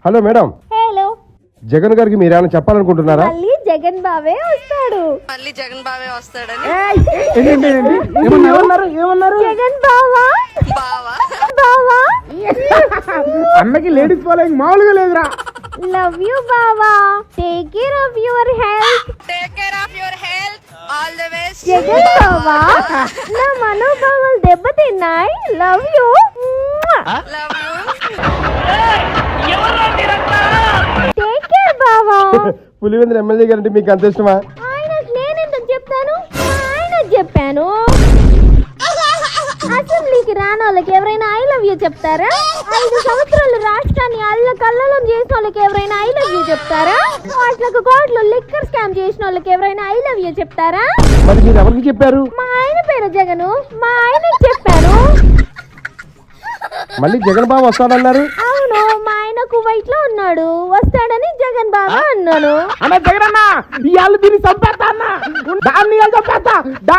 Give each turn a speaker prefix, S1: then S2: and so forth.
S1: Hello madam.
S2: Hello.
S1: Jagan గారికి మీరేమైనా చెప్పాలనుకుంటున్నారా?
S2: మళ్ళీ జగన్ బావే వస్తాడు.
S3: ఏమన్నారు?
S2: జగన్ బావా బావా
S3: అన్నకి లేడీస్ ఫాలోయింగ్ మామూలుగా లేదురా.
S2: లవ్ యూ బావా. Take care of your health.
S4: All the best.
S2: Jagan బావా నా మనోభావాలు దెబ్బతిన్నాయి. Love you.
S4: Love you.
S2: Take care బావా.
S1: పులివెందుల ఎమ్మెల్యే గారంటే మీకు అంత ఇష్టమా?
S2: ఆయనకు నేనెందుకు చెప్తాను, ఆయనకు చెప్పాను. అసెంబ్లీకి రాని వాళ్ళకి ఎవరైనా ఐ లవ్ యూ చెప్తారా? 5 సంవత్సరాలు రాష్ట్రాన్ని అల్లకల్లోలం చేసిన వాళ్ళకి ఎవరైనా ఐ లవ్ యూ చెప్తారా? కోట్లకు కోట్లు లిక్కర్ స్కామ్ చేసిన వాళ్ళకి ఎవరైనా ఐ లవ్ యూ చెప్తారా?
S1: మరి మీరు ఎవరికి చెప్పారు?
S2: మా ఆయన పేరు జగను, మా ఆయనకి చెప్పాను.
S1: మళ్ళీ జగన్ బాబు వస్తాడన్నారు.
S2: అవును, మా ఆయన కువైట్ లో ఉన్నాడు, వస్తాడని జగన్ బాబా అన్నాను.
S3: అన్న జగన్ అన్న ఇవాళ దీన్ని చంపేస్తా అన్న. దాన్ని చంపేస్తా.